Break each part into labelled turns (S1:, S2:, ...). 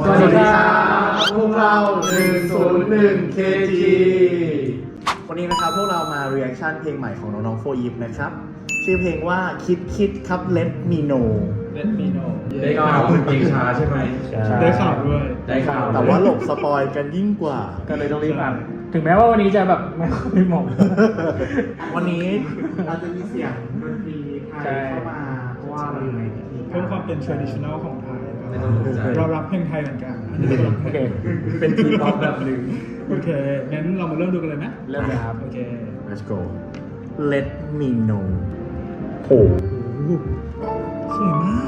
S1: สวัสดีครับพวกเรา101 KG วันนี้นะครับพวกเรามา reaction เพลงใหม่ของน้องๆโฟยิปนะครับชื่อเพลงว่าคิดครับ Let Me Know
S2: ได้ข่าวเป็นเพลงช้าใช่ไหม
S3: ได้ข่าวด้วย
S2: ได้ข่าว
S1: แต่ว่าหลบสปอยกันยิ่งกว่าก็เลยต้องรีบอ่าน
S3: ถึงแม้ว่าวันนี้จะแบบไม่ค่อยเหมาะ
S1: วันนี้เราจะมีเสียงดนตรีไทยเข้ามาเพราะว่าเราอยู่ในพิธี
S3: เพิ่มความเป็น traditional ของไทย
S2: ไม่ต้องตกใจ
S3: เรารับเพลงไทยเหมือนกัน
S1: โอเคเป็นทีป๊อปแบบหนึ่ง
S3: โอเคงั้นเรามาเริ่มดูกันเลยไหม
S1: เริ่มเลยครับ
S3: โอเค
S1: Let's go Let Me Know โห
S3: สวยมาก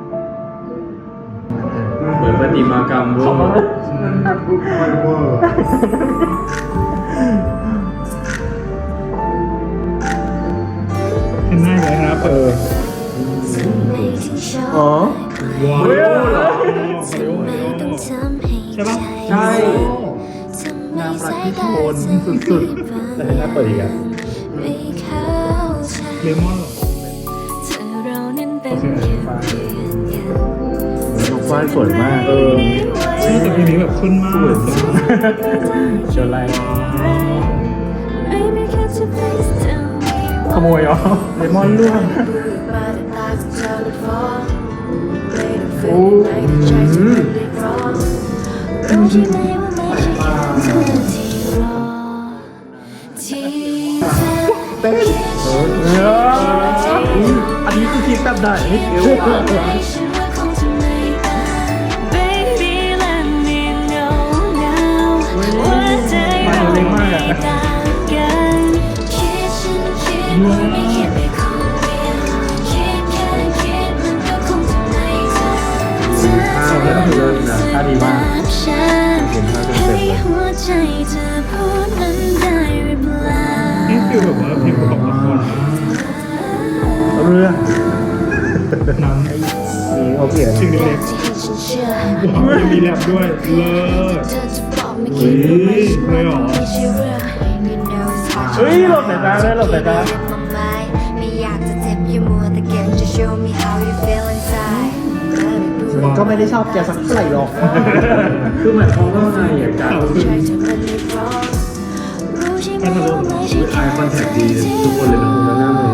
S2: เหมือนปฏิมากรรมเวอร์
S3: เห็นหน้าเลยครับ
S1: อ๋อ
S3: ว้าวใช่ปะ
S2: ใช่
S1: น้ำรักที่โชนสุดๆแต่ถ้าเปิดอีกอะ
S3: เลมอนเหรอโอเค
S1: น้องฝ้ายสวยมาก
S3: ใช่แต่เพลงนี้แบบขึ้นมาก
S1: เชิญไล่
S3: ขโมยเหรอเลมอนร่วง
S1: เต้นอันนี้คือคิดแบบไหนเอวอ่ะ
S3: มาเร็วมากอะ
S2: ท่าเลิศนะท่าดีมาก
S1: เห็นท่าเต็มเลย
S3: นี่คือแบบว่าเพลงประกอบละคร
S1: เรื่อง
S3: หนัง
S1: นี้เขาเขียน
S3: ชื่อเล็กๆว้าวมีแรปด้วยเลิศเลยเหรอ
S1: เฮ้ยหลบสายตาเลยหลบสายตา ก็ไม่ได้ชอบแกสักเท่าไหร่หรอก
S2: คือหมายความว่าไงอ่ะการ
S3: พัทลุง
S2: ไอคอนแทคดีทุกคนเลยนะคุณหน้าเลย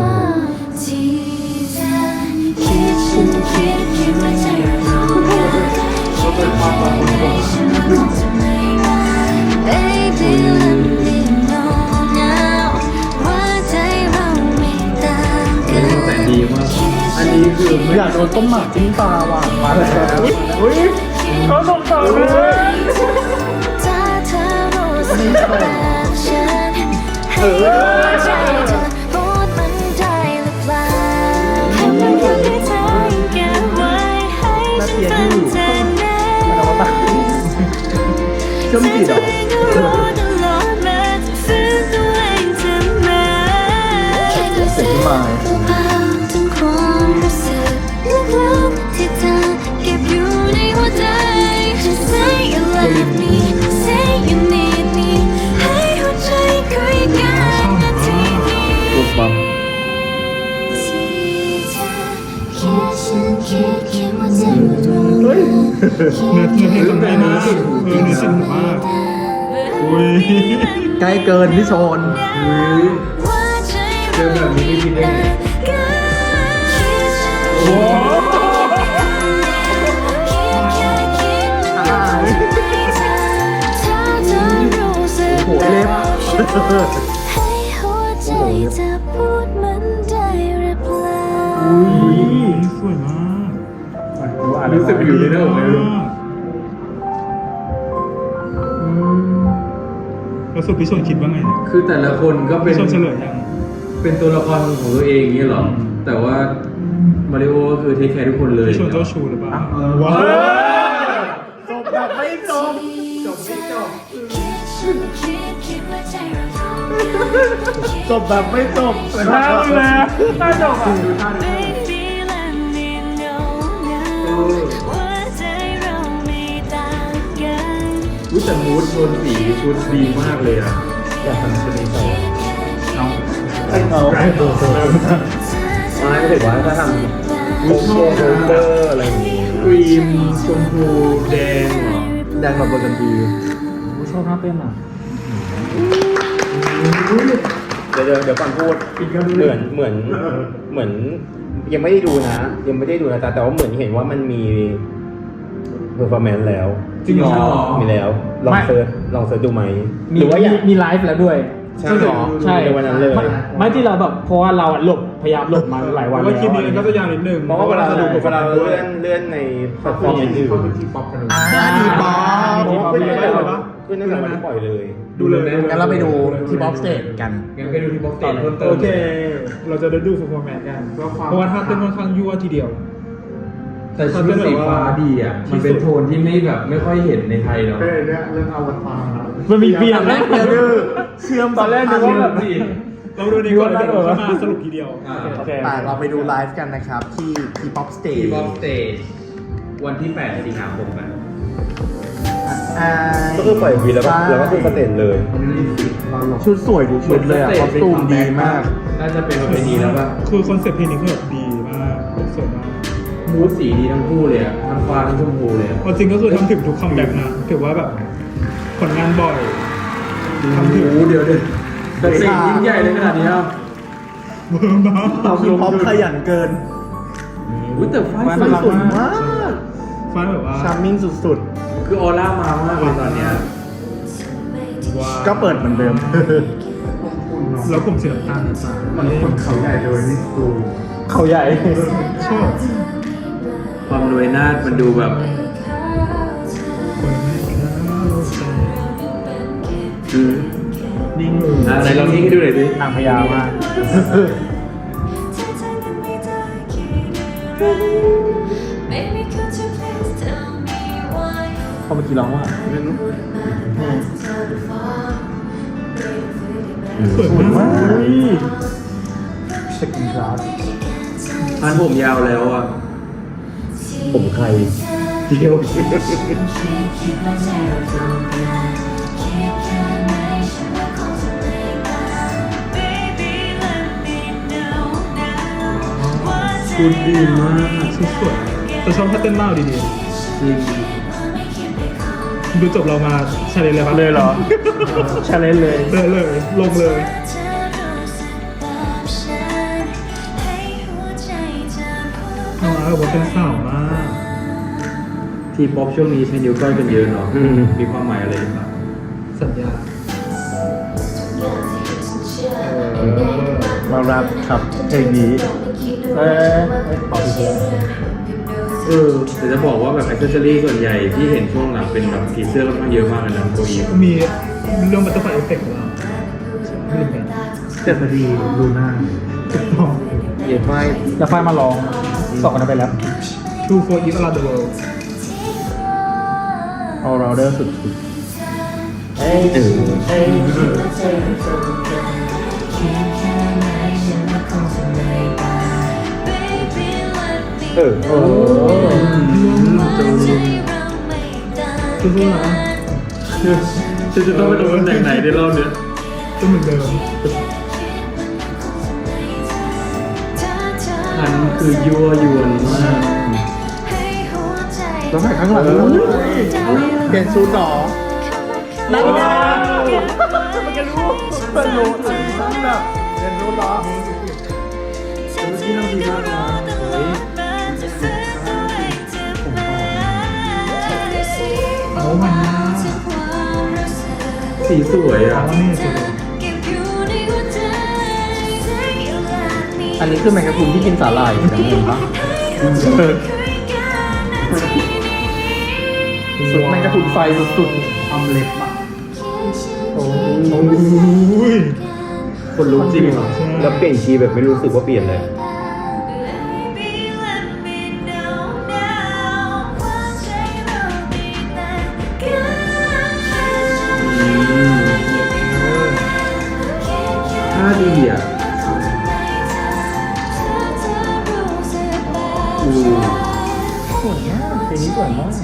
S2: แต่ดีมากอันนี้คือไม่
S1: อยากโดนต้มหมากจิ้มตาว่ะมาแล้ว
S3: อุ้ยเขาส่งต่อเลย
S1: น่าเกลียดอยู่มันเอามาตัดเชื่อมจิตเหรอเสียงที่มาปุ๊บปั๊บ เฮ้ย
S3: เนื้อเพลงจำได้มากเนื้อสิ่งมากอุ้ย
S1: ใกล้เกินพี่โซน
S2: เจอแบบนี้ไม่คิดได้ไง
S3: โอ้
S1: โหเล็บ
S3: อุ้ยสวยมาก
S2: รู้สึกอยู่ในเรื่องเลย
S3: แล้วสุดพี่ชนคิดว่าไงเนี่ย
S2: คือแต่ละคนก็เป็น
S3: พี่ชนเฉลยยัง
S2: เป็นตัวละครของตัวเองอย่างเงี้ยหรอ แต่ว่ามาริโอก็คือเทคแคร์ทุกคนเลย
S3: พี่ชนเจ้าชูหรือเปล่า
S1: ว้าวจบแบบไม่จบจบแบบไม่จบ
S3: น่าเลยน่าจบอ่ะ
S2: ดูท่าดูอุ๊ยแต่มูดโทนสีชุดดีมากเลยอ่ะ
S1: อยากทำชุดนี้ต่อ
S3: น้อง
S1: เอาไม่ถือว่าถ้าทำโอเคโรเบอร์อะไรอย่างงี้
S2: ครีมชมพูแดงเหรอดังแบบบนกันที
S4: ชอบท่าเต้นอ่ะ
S5: เดี๋ยวก่อนพูดเหมือนยังไม่ได้ดูนะแต่ว่าเหมือนเห็นว่ามันมีเพอร์ฟอร์แมนซ์แล้ว
S2: จริงเหรอ
S5: มีแล้วลองเซิร์ชดูไหม
S4: มี
S5: หรือว่าอยาก
S4: มีไลฟ์แล้วด้วย
S5: ใช่เหรอ
S4: ใช่
S5: ในวันนั้นเลย
S4: ไม่ที่เราแบบเพราะว่าเราอะพยายามหลบมาหลายวัน
S6: ว่า
S4: แล้ว
S6: คลิปนี้ก็จะยาวนิดนึง
S5: เพราะว่าเวลาเราเลื่อนในแพลตฟอร์มอื่น
S1: ดีป๊อป
S5: ขึ้นตั้งแต่วันที่ปล่อยเลย
S6: ดูเลย
S1: งั้นเราไปดูที่บ๊อบสเตจกัน
S2: งั้นไปดูที่บ็อกเตจเพิ่มเติม
S6: โอเค เราจะได้ดู performance กัน เพราะว่าท่าเต้นค่อนข้างยั่วทีเดียว
S2: แต่ชุดสีฟ้าดีอ่ะ มันเป็นโทนที่ไม่ค่อยเห็นในไทยเนาะ
S4: มันมีเบียร์แล้ว
S1: เชื่อม
S4: ตอนแรกนึกว่าแบบ
S6: เราดูดีกว่าเดี๋ยวเราจะมาสรุปทีเดียว
S4: โอเค
S1: แต่เราไปดูไลฟ์กันนะครับ ที่ที่ป๊อปสเตจ
S2: ที่บ็อกเตจวันที่8 สิงหาคมนะ
S5: ก็คือปล่อยวีแล้วก็คือสเตจเลย
S1: ชุดสวยทุกชุดเลยอ่ะคอสตูมดีมาก
S2: น่าจะเป็นประเพณีแล้วป่ะ
S6: คือคอนเซ็ปต์เพลงนี้คือแบบดีมากสวยมาก
S2: มูดสีดีทั้งคู่เลยอ่ะทั้งฟ้าทั้งชมพูเลยอะ
S6: เอาจริงก็คือทำถึงทุกคัมแบ็กนะถือว่าแบบผลงานบ่อยทำถึง
S2: โอ้โหเดี๋ยวแต่สิ่งยิ่งใหญ่เลยขนาดนี้อ่ะ
S6: เบอร์มาก
S1: ทีป๊อปขยันเกิน
S2: อุ้ยแต่ฟ้า
S1: สวยมาก
S6: ฟ้าแบบว่า
S1: ชาร์มมิ่งสุด
S2: คือออร่ามามากเลยตอนเนี้ย
S6: ว้าว
S1: ๆ ก็เปิดเหมือนเดิม
S6: แล้วผมสีน้ำตาลนะจ๊ะมันคนเขาใหญ่เลยนี่
S4: เขาใหญ่
S6: ชอบ
S2: ความรวยนาดมันดูแบบ
S6: คนไม่เข้าใจ
S2: นิ่งอะไรลองนิ่งให้ดูหน่อยดิ
S4: นางพญามาก เขาเมื่อกี้ร้องว่า
S6: สวยมาก
S4: สกินกราส
S2: พันผมยาวแล้วอ่ะ
S5: ผมใคร
S2: เดียว
S6: คุณดีมากสวยแต่ชอบท่าเต้นมากดี
S2: จริง
S6: ๆดูจบเรามาชาเลนจ์เลยปะ
S4: เลยเหรอชาเลนจ์เลย
S6: เลยลงเลยน่ารักว่าเป็นสาวมาก
S2: ทีป๊อปช่วงนี้ใช้นิ้วก้อยกันเยอะเนาะมีความหมายอะไรหรือเปล่า
S6: สัญญา
S1: มารับครับเพลงนี้
S4: ขอพี่เพื่อน
S2: แต่จะบอกว่าแบบอิเซอรี่ส่วนใหญ่ที่เห็นช่วงหลังเป็นแบบผีเสื้อค่อนข้างเยอะมากเลยนะตัวอีฟ
S6: มีเรื่องบัตเตอร์ไฟเอฟเฟกต์ของเราไม่ลืมกัน
S1: เจ็ดนาทีดูหน้า
S6: ถูกต้อง
S1: เย็นไม่
S4: แล้วไฟมาร้องสองกันไปแล้ว
S6: Two for Each Around the World
S1: เอาเราเดอร์สุดๆเอ้ยเอ้ย
S5: เออ
S1: โอ้
S6: สู้ๆนะ
S2: จะต้องไปลงตำแหน่งไหนในรอบเนี้ย
S6: ก็เหมือนเดิม
S2: อันคือยั่วยวนมาก
S1: แล้วถ่ายข้างหลังด้วยเปลี่ยนชุดหรอนั่นไงมันจะรู้มันรู้แบบเปลี่ยนชุดหรอ
S6: เอามันนะ
S2: สีสวยอ่ะ
S6: เอานี่สุด
S1: อันนี้คือแมงกะพรุนที่กินสาหร่ายอย่างเงี้ยปะสุดแมงกะพรุนไฟสุดๆทำเล็บอ่ะ
S6: โอ้ย
S2: คนรู้จริงเหรอ
S5: แล้วเปลี่ยนคีย์แบบไม่รู้สึกว่าเปลี่ยนเลย
S2: ท่าดีอ่ะ
S1: สวยมากเพลงนี้สวยมาก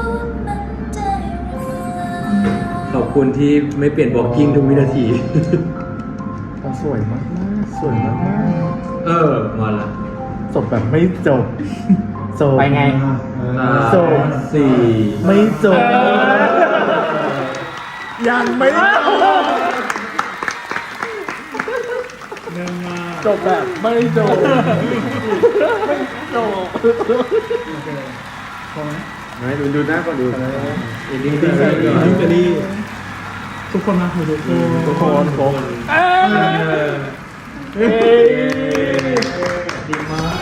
S2: ขอบคุณที่ไม่เปลี่ยนบล็อกกิ้งทุกวินาที
S1: สวยมากสวยมาก
S2: มาละ
S1: จบแบบไม่จบจบ
S4: ไปไง
S2: 4
S1: ไม่จบยังไม่จบ
S6: เนื่องมา
S1: จบแบบไม่จบไม่จบ
S6: โอเคพอไหม
S5: ไหนดูหน้าก่อนดู
S2: อินดี้
S6: ดีใจดีดีใจดีทุกคนนะทุกคน
S1: ทุกคนครบ
S6: เฮ้ย
S2: ดีมาก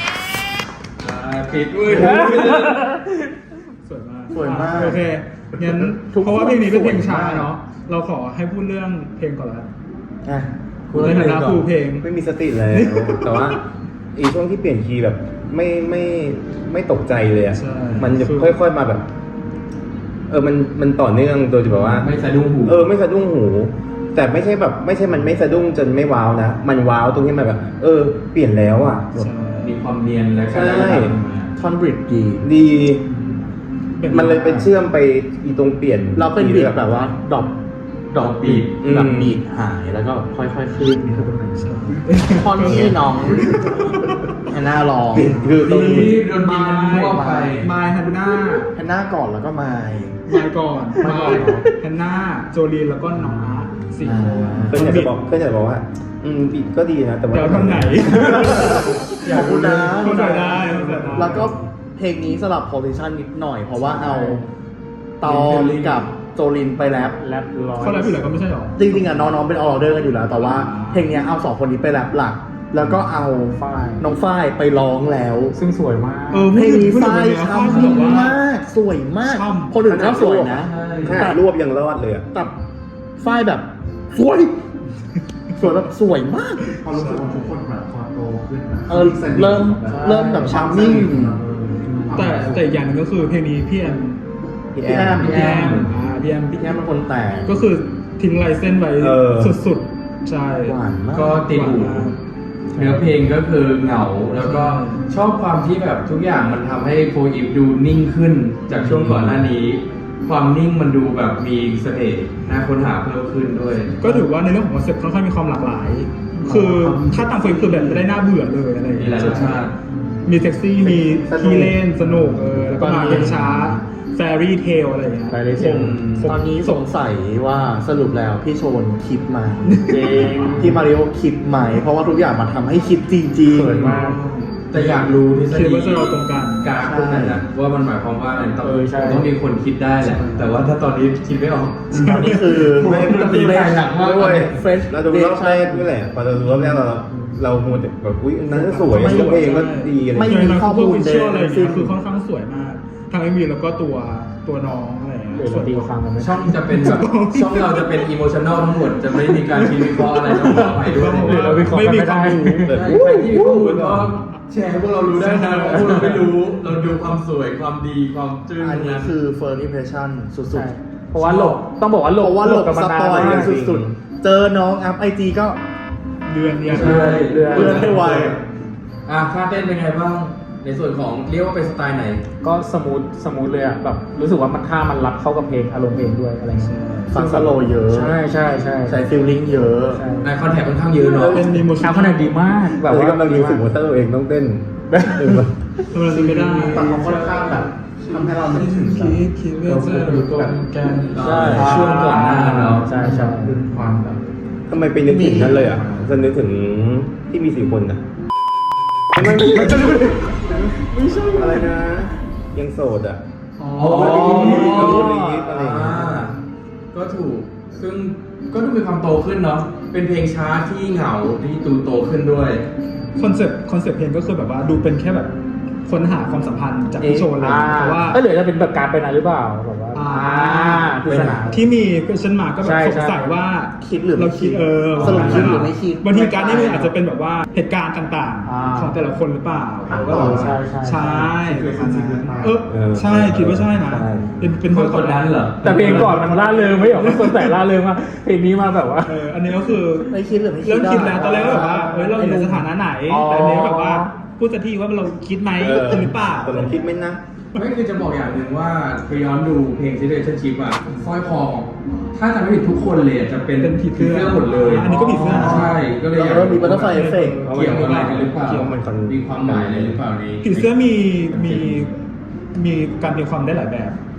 S2: ปิดด้วย
S6: สวยมาก
S1: สวยมาก
S6: โอเคงั้น
S1: ทุกคน
S6: เพราะว่าเพลงนี้เป็นเพลงช้า
S1: สวยมาก
S6: เนาะเราขอให้พูดเรื่องเพลงก่อนละ
S1: อ่ะ
S6: ในฐานะครูเพลง
S5: ไม่มีสติเลย แต่ว่าอีช่วงที่เปลี่ยนคีย์แบบไม่ตกใจเลยอ่ะ
S6: ใช่
S5: มันจะ
S6: คือ
S5: ค่อยๆมาแบบ มันต่อเนื่องโดยที่แบบว่า
S2: ไม่สะดุ้งหู
S5: ไม่สะดุ้งหู แต่ไม่ใช่แบบไม่ใช่มันไม่สะดุ้งจนไม่ว้าวนะ มันว้าวตรงที่มันแบบ เปลี่ยนแล้วอ่ะ
S6: ใช่
S2: มีความเนียนและการ
S5: ใช่
S2: ทำมา
S1: ท่อนบริดดี
S5: ดี
S6: เป็น
S5: มันเลยไปเชื่อมไปอีตรงเปลี่ยน
S1: เราเป็นบีทแบบว่าดรอปบีท
S5: อืม
S1: แบบบีทหายแล้วก็ค่อยๆขึ้น
S6: ใช่
S1: ท่อนที่น้องแฮนนาร้อง
S5: คือตรง
S2: ที่
S5: นี้
S2: โดนตีมันมั่วไป
S6: มายฮันน่า
S1: แฮนนาก่อนแล้วก็มาย
S6: มายก่อน
S1: มายก่อน
S6: ฮันน่าโจลีนแล้วก็น้องอาร์ตสี่คน
S5: เพื่อนอยากจะบอกว่าบีทก็ดีนะแต่ว่า
S6: เดี๋ยวทำไหน
S1: ขอบคุณนะ
S6: เข้าใจได้เข้าใจได้
S1: แล้วก็เพลงนี้สลับโพซิชันนิดหน่อย เพราะว่าเอาตอมกับโจลินไปแรป
S6: เขาแล้วอยู่แล้วก็ไม่ใช่หรอ
S1: จริงๆอ่ะน้องๆเป็นออเดอร์กันอยู่แล้ว แต่ว่าเพลงเนี้ยเอาสองคนนี้ไปแรปหลัก แล้วก็เอาน้องฝ้ายไปร้องแล้ว
S4: ซึ่งสวยมาก
S1: เพลงนี้ฝ้าย
S6: ชอบ
S1: ช้ำมากสวยมาก
S6: ช่ำ
S1: คนอื่นก็สวยนะ
S5: ขนาดรวบยังรอดเลยอ่ะ
S1: แต่ฝ้ายแบบสวยแบบสวยมาก
S4: พอรู้สึกว่าทุกคนแบบพอโตขึ้นนะ
S1: เริ่มแบบชาร์มมิ่ง
S6: แต่อีกอย่างหนึงก็คือเพลงนี้พี่แอม
S1: พี่แอม
S6: พี่แอมพี่แอม
S1: พี่แอมเป็นคนแต่ง
S6: ก็คือทิ้งลายเส้นไว้
S5: เออ
S6: สุดๆ ใช่
S1: หวานมาก
S2: ก็ติดหู
S6: หวานมาก
S2: เนื้อเพลงก็คือเหงา แล้วก็ชอบความที่แบบทุกอย่างมันทำให้โฟอีฟดูนิ่งขึ้นจากช่วงก่อนหน้านี้ ความนิ่งมันดูแบบมีเสน่ห์น่าค้นหาเพิ่มขึ้นด้วย
S6: ก็ถือว่าในเรื่องของคอนเซ็ปต์ค่อนข้างมีความหลากหลาย คือถ้าตามเฟรมคือแบบไม่ได้น่าเบื่อเลยอะไรอย่าง
S2: มี
S6: เงี้
S2: หลายรสชาติ
S6: มีเซ็กซี่ มี
S1: สนุก
S6: ขี้เล่นสนุกแล้วก็
S1: ตอน
S6: มา
S1: นี้
S6: เพลงช้าแฟรี่เทลอะไรอย่างเงี้ย
S4: Fairy Tale
S1: ตอนนี้สงสัยว่าสรุปแล้วพี่โชนคิดไหมพี่มาริโอคิดไหม เพราะว่าทุกอย่างมันทำให้คิดจริงๆ
S4: สวยมาก
S2: แต่อยากรู้ทฤษ
S6: คิด
S2: ฎี
S6: ว่าจะเราตรงกัน
S2: กราฟพวกนั้นนะว่ามันหมายความว่าอะไรต้อง
S4: ใช่
S2: ต้องมีคนคิดได้แหละ แต่ว่าถ้าตอนนี้คิดไม่ออก
S1: ตอนนี้คือ
S5: ไม่
S1: ตีแรงหนักมาก
S5: ด้วย
S1: เฟรช
S5: เราดูรอบแรกนี่แหละพอเราดูรอบแรกเรามัวแต่แบบอุ้ยนั้นก็สวยแล้วเพลงก็ดีอะไร
S1: ไม่
S5: อย่าง
S1: มี
S5: เงี้ย
S1: ข้อมูล
S6: เชื่ออะไรอย่างเงี้ย
S1: เลย
S6: คือค่อนข้างสวยมากทั้งเอ็มวีแล้วก็ตัวน้องอะไรอย่างเงี้ย
S4: เดี๋ยวเราตีความกันไหม
S2: ช่องจะเป็นแบบช่องเราจะเป็นอิโมชันแนลทั้งหมดจะไม่มีการคิดวิเคราะห์อะไรต้องขอไปด้วย
S4: หรือเราวิเคราะห์
S6: ไม่มี
S4: ไม่
S6: ค
S4: ได้
S6: วามรู้
S5: แบบ
S2: ใครที่มีข้อมูลก็แชร์ให้พวกเรารู้ได้นะเพราะพวกเราไม่รู้ เราดูความสวยความดีความจึ้ง
S1: อันนี้คือ first impression สุด
S4: ใช่เพราะว่าหลบต้องบอกว่าหล
S1: ๆ เพ
S4: บ
S1: ราะว่าหลบ
S4: กัน
S1: ส
S4: มานาน
S1: ปอย
S4: มา
S1: กั
S4: ก
S1: นสุดๆ เจอน้องอัพไอจีก็
S6: เดือนเนี่ย
S2: ใช่
S4: เดือน
S1: เพื่อนให้ไว
S2: ท่าเต้นเป็นไงบ้าง ในส่วนของเรียกว่าเป็นสไตล์ไหน
S4: ก็สมูทเลยอ่ะแบบรู้สึกว่ามันท่ามันรับเข้ากับเพลงอารมณ์เพลงด้วยอะไรเงี้ย
S1: ฟังสโลว์เยอะ
S4: ใช่ใช่ใช่
S1: ใช้ฟิลลิ่งเยอะ
S4: ใช่
S2: ในคอนแทคค่อนข้างเยอะเนาะ
S6: เป็นมีโม
S4: ชา
S6: ชั่น
S4: วขนาดดีมากแบ
S5: แบบ บ
S4: ว่า
S5: ว่ากำลังรู้สึกว่าเตอร์เองต้องเต้นเออ
S6: ทำไมจะไม่ได้
S1: แต่เขาค่อนข้างแบบทำให้เรานึกถึงแบบ
S6: คิดว่าจะรู้ตัวกัน
S2: ใช่ช่วงก่อนหน้าเนาะ
S4: ใช่ใช่
S2: ความแบบ
S5: ทำไมไปนึกถึงนั้นเลยอ่ะจะนึกถึงที่มี4 คนนะไม่ใช่อะไรนะ ยังโสดอ่ะ
S2: อ๋อ
S5: อะไรอย่างเงี้ย
S2: ก็ถูก ซึ่งก็ดูมีความโตขึ้นเนาะ เป็นเพลงช้าที่เหงาที่ดูโตขึ้นด้วย
S6: คอนเซ็ปต์เพลงก็คือแบบว่าดูเป็นแค่แบบค้นหาความสัมพันธ์จากพี่โชนเลยเพราะว่า
S4: หรือจะเป็นแบบการไปนะหรือเปล่าแบบว่าปริศนา
S6: ที่มี question mark ก็แบบ
S4: ใช่
S6: สงสัยว่า
S1: คิดหรือไม่
S6: เราคิด
S1: สรุปคิดหรือไม่คิด
S6: บางทีการนี่มันอาจจะเป็นแบบว่าเหตุการณ์ต่างๆ ของแต่ละคนหรือเปล่าก็แบบว่า
S4: ใช่ใช่
S6: ใช่ใช่คิดว่าใช่นะเป็น
S2: คนนั้นเหรอ
S4: แต่เพลงก่อนมันล่าเริงไม่หรอกมันคนแต่ล่าเริงมากเพลงนี้มาแบบว่า
S6: อันนี้ก็คือ
S1: ไม่คิดหรือไม่คิด
S6: เริ่มคิดแล้วตอนแรกก็แบบว่าเราอยู่ในสถานะไหน แต่อันนี้แบบว่าพูดสักทีว่าเราคิดไหมหรือเปล่า
S5: ตกลงคิดไหมนะ
S2: ไม่คือจะบอกอย่างหนึ่งว่าไปย้อนดูเพลง Situationship อะสร้อยคอของถ้าจำไม่ผิดทุกคนเลยอะจะเป็น
S6: เป็นผีเสื้อ
S2: หมดเลย
S6: อันนี้ก็ผีเสื้อ
S2: ใช่ ก็เลยอยาก
S1: แล้วมีบัตเตอร์ไฟเอฟเฟกต์
S2: เกี่ยวอะไรกันหรือเปล่า
S5: เกี่ยวมัน
S2: มีความหมายอะไรหรือเปล่านี้
S6: ผีเสื้อมีการตีความได้หลายแบบ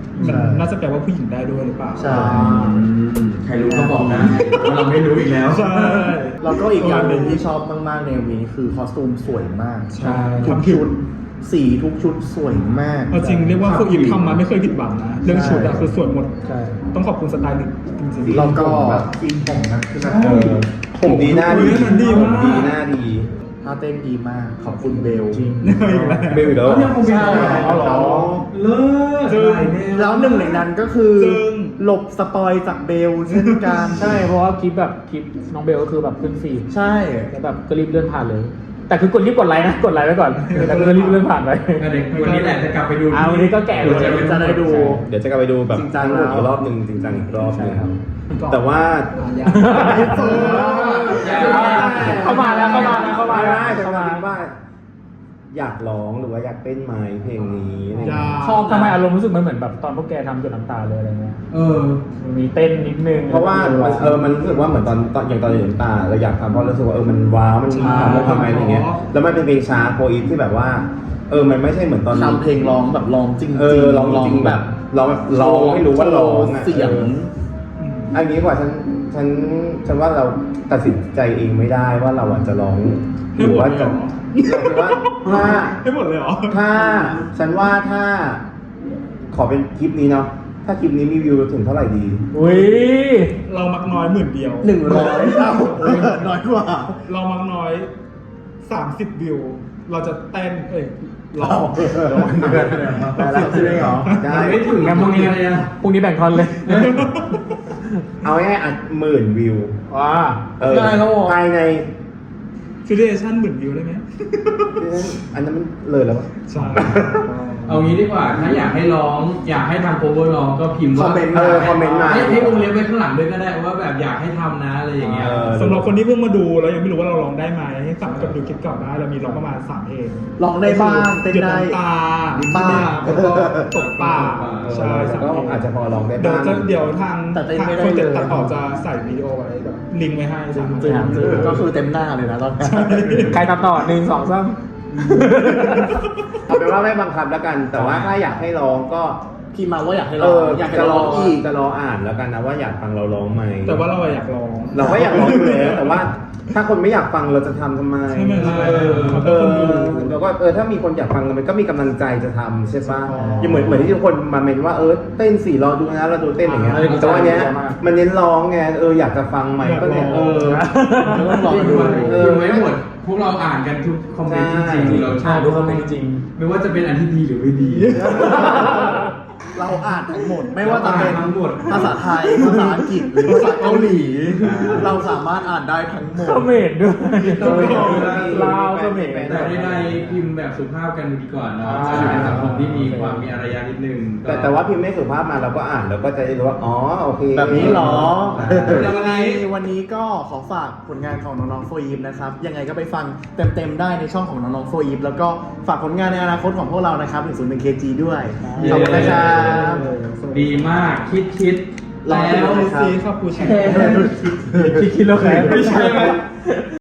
S6: มันน่าจะแปลว่าผู้หญิงได้ด้วยหรือเปล่า
S1: ใช่
S2: ใครรู้ก็บอกนะว่าเราไม่รู้อีกแล้ว
S6: ใช่
S1: แล้วก็อีกอย่างหนึ่งที่ชอบมากๆในวีนี้คือคอสตูมสวยมาก
S6: ใช่
S1: ทุกชุดสีทุกชุดสวยมาก
S6: เอาจริงเรียกว่าโฟอีฟทำมาไม่เคยผิดหวังนะเรื่องชุดอะคือสวยหมด
S4: ใช่
S6: ต้องขอบคุณสไตลิสต์จริงๆ
S1: แล้วก็
S7: กินผมนะคือแบบ
S5: ผมดีหน้าดี
S6: เรื่องนั้นดีมาก
S5: ผมดีหน้าดี
S1: ท่าเต้นดีมาก ขอบคุณเบล
S6: อีกแล้ว
S5: เบลอยู่แล้ว
S2: ยังคงมีเอาเหรอเลิศ
S6: จึง
S2: หลายแนว
S1: แล้วหนึ่งในนั้นก็คือ
S6: ซึ่ง
S1: หลบสปอยจากเบลเช่นกัน
S4: ใช่เพราะว่าคลิปน้องเบลก็คือแบบขึ้นฟีด
S1: ใช่
S4: แล้วแบบก็รีบเลื่อนผ่านเลย แต่คือกดรีบกดไลค์นะกดไลค์ไว้ก่อนแต่ก็รีบเลื่อนผ่านไป
S2: เด็กวันนี้แหละจะกลับไปดู
S4: วันนี้ก็แก่เลย
S1: จะได้ดู
S5: เดี๋ยวจะกลับไปดูแบบ
S1: จริงจัง
S5: ทั้งหมด
S1: แล้ว
S5: อีกรอบหนึ่งจริงจังอีกรอบหนึง
S4: ใช่ครับ
S5: แต่ว่า
S4: เข้ามาแล้วเข้ามาแล้วเข้ามาแล้ว
S5: แต่
S4: เข้า
S5: ว่า
S4: มา
S5: คิดว่า อยากร้องหรือว่าอยากเต้นไหมเพลงนี้อะไรอย่างเงี้ย
S4: ชอบทำไมอารมณ์รู้สึกมันเหมือนแบบตอนพวกแกทำจนน้ำตาเลยอะไรเงี้ย
S2: เออ
S4: มันมีเต้นนิดนึง
S5: เพราะว่ามันรู้สึกว่าเหมือนตอนอย่างตอนเรียนตาเราอยากทำเพราะรู้สึกว่ามันว้าวมัน
S6: ใช่
S5: ทำแล้วทำไมอะไรเงี้ยแล้วมันเป็นเพลงช้าโฟอีฟที่แบบว่ามันไม่ใช่เหมือนตอน
S1: ทำเพลงร้องแบบร้องจริงๆ
S5: ร้องจริงแบบร้องไม่รู้ว่าร้องอะ
S1: เสียง
S5: อันนี้กว่าฉันว่าเราตัดสินใจเองไม่ได้ว่าเราจะร้องหรือว่าจะเราคิดว่าถ้า
S6: ให้หมดเลยเหรอ
S5: ถ้าฉันว่าถ้าขอเป็นคลิปนี้เนาะถ้าคลิปนี้มีวิวถึงเท่าไหร่ดี
S4: อุ้ย
S6: เรามักน้อยหมื่นเดียว
S1: 100เท่าน้อยกว่า
S6: เรามักน้อย 30 วิว เราจะเต้นร้อง
S1: แต่แล้วใช่ไหมเหรอ
S5: ได้
S2: ไม่ถึง
S4: งั้นพรุ่งนี้แบ่งทอนเลย
S5: เอาง่ายๆ10,000 วิว
S4: ว้า
S1: ได้แล้วเหรอ
S5: ภายใน
S6: ฟิลเลชั่นหมื่นวิวได้ไหม
S5: อันนั้นมันเลยแล้วปะ
S6: ใช่
S2: เอางี้ดีกว่าถ้าอยากให้ร้อง อยากให้ทำโคเวอร์ร้องก็พิมพ์ว่า
S1: คอมเมนต์
S5: คอมเมนต์มา
S2: ให้วงเล็บไว้ข้างหลังด้วยก็ได้ว่าแบบอยากให้ทำนะอะไรอย่างเงี้ย
S6: สำหรับคนที่เพิ่งมาดูแล้วยังไม่รู้ว่าเราร้องได้ไหมให้สามารถกลับไปดูคลิปเก่าได้เรามีร้องประมาณ3เพลง
S1: ร้องได้บ้างเต้น
S6: หยด
S1: ได้
S6: น้ำตา
S1: บ้าง
S6: แล้วก็ตกป่าใช่
S5: แต่
S6: สาม
S5: ก็
S6: เพลง
S5: อาจจะพอร้องได้
S6: เดี๋ยว
S5: บ้าง
S6: เดี๋ยวทาง
S1: แต่เต้น
S6: ทาง
S1: ไม่ได้
S6: คน
S1: เลย
S6: ตัดต่อจะใส่วิดีโอไว้แบบลิงก์ไว้ให้สามารถ
S1: จริงๆก็คือเต็มหน้าเลยนะตอนนี้
S4: ใครตัดต่อ1 2 3
S5: เอาเป็นว่าไม่บังคับแล้วกัน แต่ว่าถ้าอยากให้ร้องก็
S1: พี่มาว่าอยากให้ร้องอยากให้ร้องอีก
S5: จะรออ่านแล้วกันนะว่าอยากฟังเราร้องไหม
S6: แต่ว่าเราอยากร้อง
S5: เราก็อยากร้องอยู่แล้วแต่ว่าถ้าคนไม่อยากฟังเราจะทำทำไม
S6: ใช่ไหมล่ะ
S5: แล้วก็ถ้ามีคนอยากฟังมันก็มีกำลังใจจะทำใช่ปะ
S6: อ๋อ
S5: ยังเหมือนที่ทุกคนมาเมนว่าเต้นสี่รอดูนะเราดูเต้นอย่างเงี้ย แต่ว่าเนี้ยมันเน้นร้องไงอยากจะฟังไหมก็เนี่ย
S1: ต้องลองดู
S2: พิมพ์ไว้หมด พวกเราอ่านกันทุกคอมเมนต์จริงๆเราชอบ
S4: ดูคอมเมนต์จริง
S2: ไม่ว่าจะเป็นอันที่ดีหรือไม่ดี
S1: เราอ่านทั้งหมด ไม่ว่าจะเป็น
S2: ทั้งหมด
S1: ภาษาไทย ภาษาอังกฤษหรือภาษาเกาหลี เราสามารถอ่านได้ทั้งหมด
S4: คอมเมนต์ด้วยลาวคอมเมนต์
S2: แต่ใดๆพิมพ์แบบสุภาพกันดีกว่าเนาะจะอยู่ในสังคมที่มีความมีอารยะนิดนึง
S5: แต่ว่าพิมพ์ไม่สุภาพมาเราก็อ่านแล้วก็จะได้รู้ว่าอ๋อโอเค
S1: แบบนี้เหรอ
S2: แล้ว
S1: วันนี้ก็ขอฝากผลงานของน้องๆโฟยิปนะครับ ยังไงก็ไปฟังเต็มๆได้ในช่องของน้องๆโฟยิปแล้วก็ฝากผลงานในอนาคตของพวกเรานะครับถึง101 KG ด้วย ขอบคุณนะครับ
S2: ดีมากคิด
S1: รอ
S2: แล้
S1: ดู
S2: ว
S1: นะครับ
S6: ซีครับกูแชร์
S4: คิดแล้วแค่
S2: ไม่ใช่ไหม